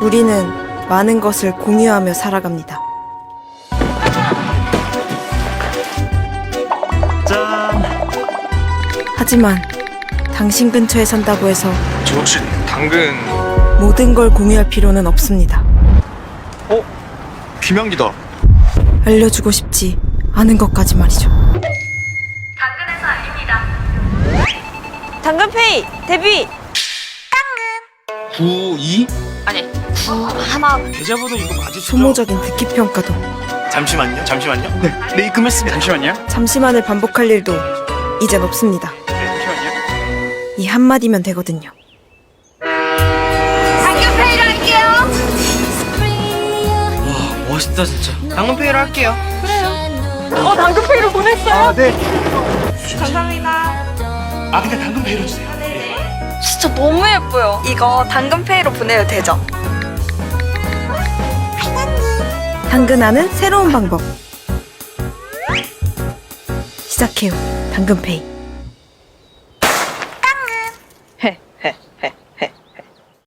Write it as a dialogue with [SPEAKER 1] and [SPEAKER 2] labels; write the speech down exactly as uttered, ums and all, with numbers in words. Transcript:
[SPEAKER 1] 우리는 많은 것을 공유하며 살아갑니다.
[SPEAKER 2] 짠!
[SPEAKER 1] 하지만 당신 근처에 산다고 해서
[SPEAKER 2] 저 혹시 당근...
[SPEAKER 1] 모든 걸 공유할 필요는 없습니다.
[SPEAKER 2] 어? 비명기다.
[SPEAKER 1] 알려주고 싶지 않은 것까지 말이죠.
[SPEAKER 3] 당근에서 알립니다.
[SPEAKER 4] 당근페이 데뷔!
[SPEAKER 2] 구이?
[SPEAKER 3] 아니, 구 하나.
[SPEAKER 2] 계좌번호 이거 맞으시죠?
[SPEAKER 1] 소모적인 듣기평가도
[SPEAKER 2] 잠시만요, 잠시만요. 네, 네 입금했습니다. 잠시만요.
[SPEAKER 1] 잠시만을 반복할 일도 이젠 없습니다.
[SPEAKER 2] 네, 잠시만요.
[SPEAKER 1] 이 한마디면 되거든요.
[SPEAKER 3] 당근페이로 할게요.
[SPEAKER 2] 와, 멋있다 진짜. 당근페이로 할게요.
[SPEAKER 4] 어 당근페이로 보냈어요?
[SPEAKER 2] 아, 네.
[SPEAKER 4] 감사합니다.
[SPEAKER 2] 아, 근데 당근페이로 주세요.
[SPEAKER 4] 진짜 너무 예뻐요. 이거 당근페이로 보내도 되죠?
[SPEAKER 1] 당근하는 새로운 방법 시작해요. 당근페이.